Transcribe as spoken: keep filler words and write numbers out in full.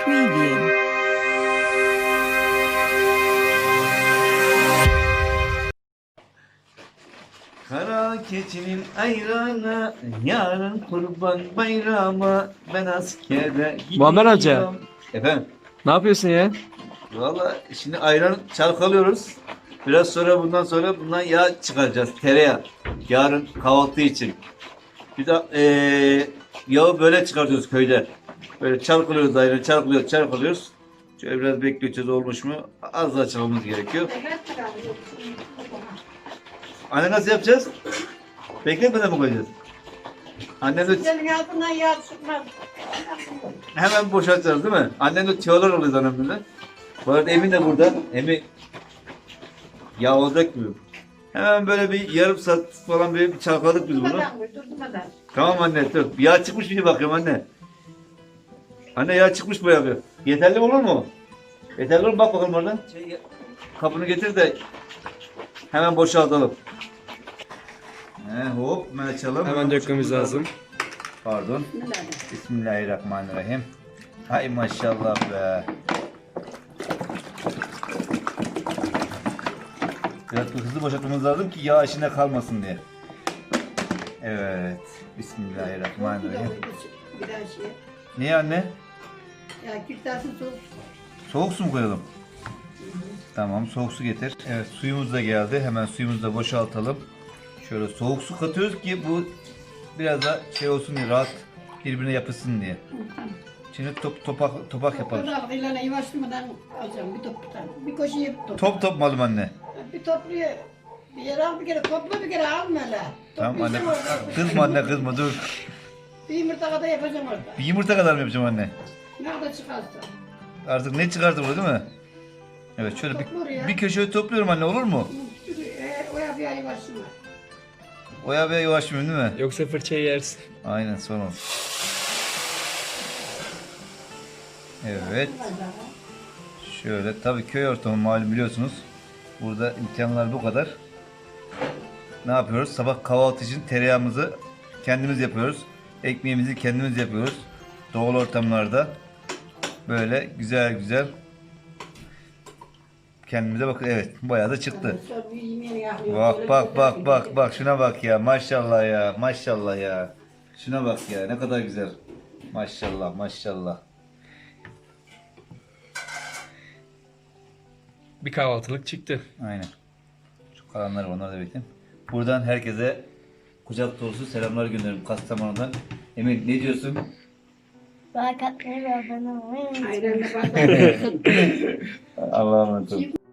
Preview. Kara keçinin ayranı, yarın kurban bayramı, ben askere gidiyorum. Muammer amca. Efendim, Ne yapıyorsun ya? valla şimdi ayran çalkalıyoruz. Biraz sonra bundan sonra bundan yağ çıkaracağız, tereyağı. Yarın kahvaltı için. Bir de eee yağı böyle çıkartıyoruz köyde. Böyle çalkalıyoruz ayranı, çalkalıyoruz, çalkalıyoruz. Şöyle biraz bekleyeceğiz, olmuş mu? Az daha çalmamız gerekiyor. Anne nasıl yapacağız? Bekletmeden mi koyacağız? Annem de Senin altından yağ çıkmaz. hemen boşaltacağız değil mi? Annem de tüyolar oluyor annemle. Bu arada Emin de burada. Emin yağ olacak mı? Hemen böyle bir yarım saat falan bir çalkaladık biz bunu. Durmadan koy, durmadan. Tamam anne dur. Yağ çıkmış diye bakıyorum anne. Anne yağ çıkmış bu yapıyor. Yeterli olur mu? Yeterli olur mu? Bak bakalım oradan. Şey, kapını getir de hemen boşaltalım. He, hop hemen açalım. Hemen dökmemiz lazım. Pardon. Bismillahirrahmanirrahim. Hay maşallah be. Biraz hızlı boşaltmamız lazım ki yağ içinde kalmasın diye. Evet. Bismillahirrahmanirrahim. Bir daha şey. Niye anne? Ya kürtasın soğuk. Soğuk su mu koyalım? Tamam, soğuk su getir. Evet, suyumuz da geldi. Hemen suyumuzu da boşaltalım. Şöyle soğuk su katıyoruz ki bu biraz da şey olsun diye, rahat birbirine yapışsın diye. Şimdi top, topak, topak yapalım. Burada ilana yavaşlamadan alacağım bir top bir tane. Bir koşuya bir top. Top top malum anne. Bir topluyor. Bir yere al bir kere topla bir kere alma hele. Tamam anne. Topluyorsun orada. Kızma anne, kızma dur. Bir yumurta kadar yapacağım orada. Bir yumurta kadar mı yapacağım anne? Nerede çıkarsa. Artık ne çıkartır bu değil mi? Evet, şöyle Toplar bir, ya. bir köşeye topluyorum anne, olur mu? E, o yapıyor yavaşlama. Oya ve yavaş mı değil mi? Yoksa fırçayı yersin. Aynen, son olsun. Evet. Şöyle, tabii köy ortamı malum biliyorsunuz. Burada imkanlar bu kadar. Ne yapıyoruz? Sabah kahvaltı için tereyağımızı kendimiz yapıyoruz. Ekmeğimizi kendimiz yapıyoruz. Doğal ortamlarda böyle güzel güzel kendimize bakın. Evet, bayağı da çıktı. Sonra bir yemeğini yapıyor. Bak bak bak bak bak şuna bak ya, maşallah ya, maşallah ya. Şuna bak ya, ne kadar güzel. Maşallah maşallah. Bir kahvaltılık çıktı. Aynen. Şu kalanları onları da bekleyin. Buradan herkese kucak dolusu selamlar gönderirim Kastamonu'dan. Emin ne diyorsun? Like atmayı ve abone olmayı unutmayın. Ayranla bardak. Allah'a emanet olun.